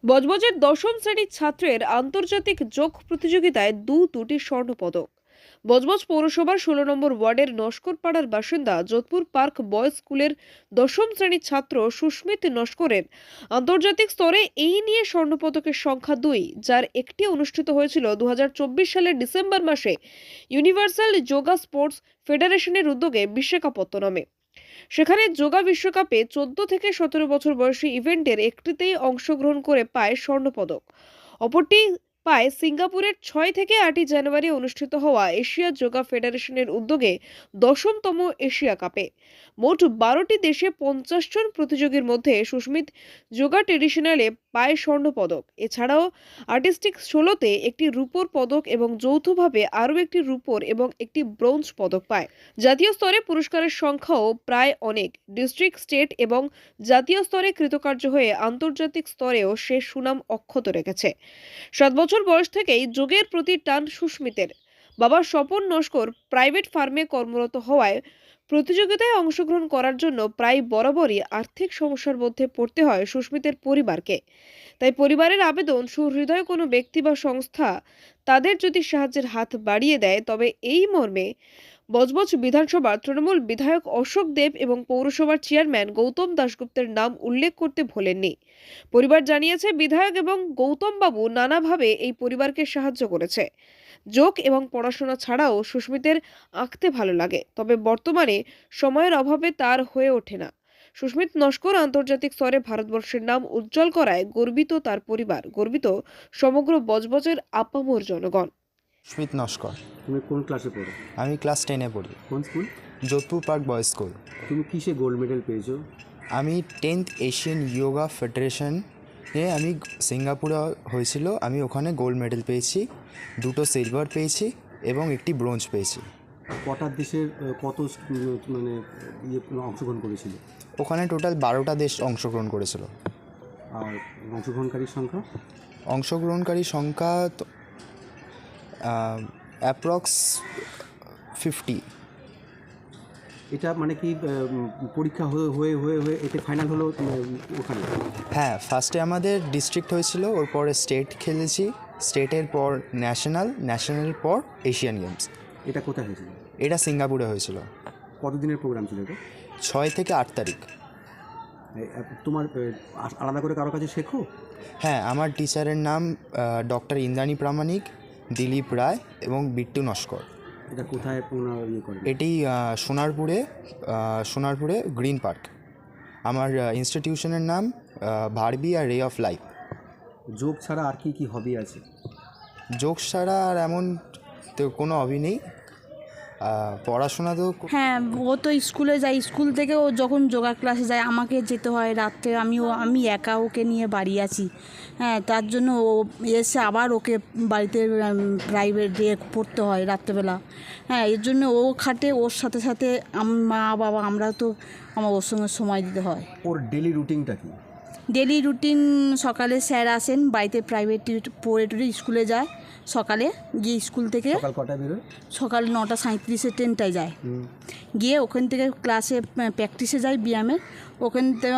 বজবজের দশম শ্রেণীর ছাত্রের আন্তর্জাতিক যোগ প্রতিযোগিতায় দুটি স্বর্ণপদক। বজবজ পৌরসভার 16 নম্বর ওয়ার্ডের নস্করপাড়ার বাসিন্দা যোধপুর পার্ক বয়েজ স্কুলের দশম শ্রেণীর ছাত্র সুস্মিত নস্করের আন্তর্জাতিক স্তরে এই নিয়ে স্বর্ণপদকের সংখ্যা 2, যার একটি অনুষ্ঠিত হয়েছিল 2024 সালের ডিসেম্বর মাসে ইউনিভার্সাল যোগা স্পোর্টস ফেডারেশনের উদ্যোগে বিশাখাপত্তনমে। সেখানে যোগা বিশ্বকাপে 14 থেকে 17 বছর বয়সী ইভেন্টের একটিতেই অংশগ্রহণ করে পায় স্বর্ণপদক। অপরটি পায় সিঙ্গাপুরের 6 থেকে 8 জানুয়ারি অনুষ্ঠিত হওয়া এশিয়া যোগা ফেডারেশনের উদ্যোগে 10তম এশিয়া কাপে। মোট 12টি দেশে 50 জন প্রতিযোগীর মধ্যে সুস্মিত যোগা ট্রেডিশনালে পায় স্বর্ণপদক। এছাড়াও আর্টিস্টিক 16তে একটি রূপোর পদক এবং যৌথভাবে আরও একটি রূপোর এবং একটি ব্রোঞ্জ পদক পায়। জাতীয় স্তরে পুরস্কারের সংখ্যাও প্রায় অনেক। ডিস্ট্রিক্ট, স্টেট এবং জাতীয় স্তরে কৃতকার্য হয়ে আন্তর্জাতিক স্তরেও সে সুনাম অক্ষত রেখেছে। 7 বছর বয়স থেকেই যোগের প্রতি টান সুস্মিতের। বাবা স্বপন নস্কর প্রাইভেট ফার্মে কর্মরত হওয়ায় প্রতিযোগিতায় অংশগ্রহণ করার জন্য প্রায় বরাবরই আর্থিক সমস্যার মধ্যে পড়তে হয় সুস্মিতের পরিবারকে। তাই পরিবারের আবেদন, সুহৃদয় কোনো ব্যক্তি বা সংস্থা তাদের যদি সাহায্যের হাত বাড়িয়ে দেয় তবে এই মর্মে বজবজ বিধানসভার তৃণমূল বিধায়ক অশোক দেব এবং পৌরসভার চেয়ারম্যান গৌতম দাশগুপ্তের নাম উল্লেখ করতে ভোলেননি। পরিবার জানিয়েছে, বিধায়ক এবং গৌতম বাবু নানাভাবে এই পরিবারকে সাহায্য করেছে। যোগ এবং পড়াশোনা ছাড়াও সুস্মিতের আঁকতে ভালো লাগে, তবে বর্তমানে সময়ের অভাবে তার হয়ে ওঠে না। সুস্মিত নস্কর আন্তর্জাতিক স্তরে ভারতবর্ষের নাম উজ্জ্বল করায় গর্বিত তার পরিবার, গর্বিত সমগ্র বজবজের আপামর জনগণ। সুস্মিত নস্কর। তুমি কোন ক্লাসে পড়ো? আমি ক্লাস 10-এ পড়ি। কোন school? Jodhpur park boys school. তুমি কিসে গোল্ড মেডেল পেয়েছো? আমি 10th এশিয়ান যোগা ফেডারেশনে আমি সিঙ্গাপুরে হয়েছিল, আমি ওখানে গোল্ড মেডেল পেয়েছি, 2টো সিলভার পেয়েছি এবং একটি ব্রোঞ্জ পেয়েছি। কটা দেশের কত মানে অংশগ্রহণ করেছিল? ওখানে টোটাল 12টা দেশ অংশগ্রহণ করেছিল। আর অংশগ্রহণকারীর সংখ্যা? অংশগ্রহণকারী সংখ্যা অ্যাপ্রক্স 50। এটা মানে কি পরীক্ষা হয়ে হয়ে হয়ে এতে ফাইনাল হলো ওখানে? হ্যাঁ, ফার্স্টে আমাদের ডিস্ট্রিক্ট হয়েছিল, ওর পরে স্টেট খেলেছি, স্টেটের পর ন্যাশনালের পর এশিয়ান গেমস। এটা কোথায় হয়েছিল? এটা সিঙ্গাপুরে হয়েছিল। কতদিনের প্রোগ্রাম ছিল এটা? 6 থেকে 8 তারিখ। তোমার আলাদা করে কারো কাছে শেখো? হ্যাঁ, আমার টিচারের নাম ডক্টর ইন্দ্রাণী প্রামাণিক, দিলীপ রায় এবং বিট্টু নস্কর। এটা কোথায় করে? এটি সোনারপুরে গ্রিন পার্ক। আমার ইনস্টিটিউশনের নাম ভারবি আর রে অফ লাইফ। যোগ ছাড়া আর কি কি হবি আছে? যোগ ছাড়া আর এমন তো কোনো হবি নেই। পড়াশোনা তো হ্যাঁ, ও তো স্কুলে যায়, স্কুল থেকে ও যখন যোগা ক্লাসে যায় আমাকে যেতে হয় রাত্রে, আমি একা ওকে নিয়ে বাড়ি আছি। হ্যাঁ, তার জন্য ও এসে আবার ওকে বাড়িতে প্রাইভেট দিয়ে পড়তে হয় রাত্রেবেলা। হ্যাঁ, এর জন্য ও খাটে, ওর সাথে সাথে মা বাবা আমরা তো ওর সঙ্গে সময় দিতে হয়। ওর ডেলি রুটিনটা কি? ডেলি রুটিন সকালে স্যার আসেন, বাড়িতে প্রাইভেট পড়ে টুড়ে স্কুলে যায়, সকালে গিয়ে স্কুল থেকে সকাল কটায় বেরোয়? সকাল 9:37-এ ট্রেনটায় যায়, গিয়ে ওখান থেকে ক্লাসে প্র্যাকটিসে যায় ব্যায়ামের। ওখান থেকে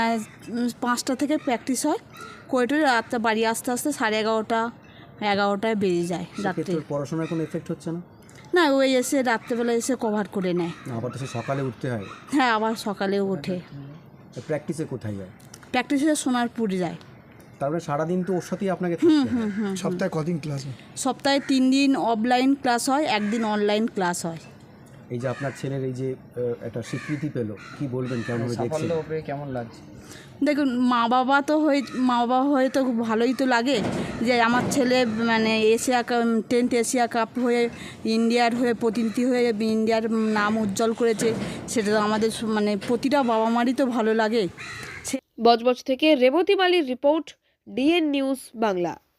5টা থেকে প্র্যাকটিস হয়, করে রাতটা বাড়ি আস্তে আস্তে 11:30-11টায় বেরিয়ে যায় রাত্রে। পড়াশোনার কোনো এফেক্ট হচ্ছে না? না, ওই এসে রাত্রেবেলা এসে কভার করে নেয়। আবার তো সকালে উঠতে হয়? হ্যাঁ, আবার সকালেও ওঠে। প্র্যাকটিসে কোথায় যায়? প্র্যাকটিসে সোনারপুর যায়। তারপরে সারাদিন তো ওর সাথেই আপনাকে থাকতে হয়। সপ্তাহে কদিন ক্লাস হয়? সপ্তাহে 3 দিন অফলাইন ক্লাস হয়, 1 দিন অনলাইন ক্লাস হয়। এই যে আপনার ছেলের এই যে একটা স্বীকৃতি পেলো, কি বলবেন, কেমন দেখছেন? কেমন লাগছে? দেখুন, মা বাবা হয়ে তো খুব ভালোই তো লাগে যে আমার ছেলে মানে 10th এশিয়া কাপ হয়ে ইন্ডিয়ার হয়ে প্রতিনিধি হয়ে ইন্ডিয়ার নাম উজ্জ্বল করেছে। সেটা তো আমাদের মানে প্রতিটা বাবা মারই তো ভালো লাগে। বজবজ থেকে রেবতী মালির রিপোর্ট, ডিএন নিউজ বাংলা।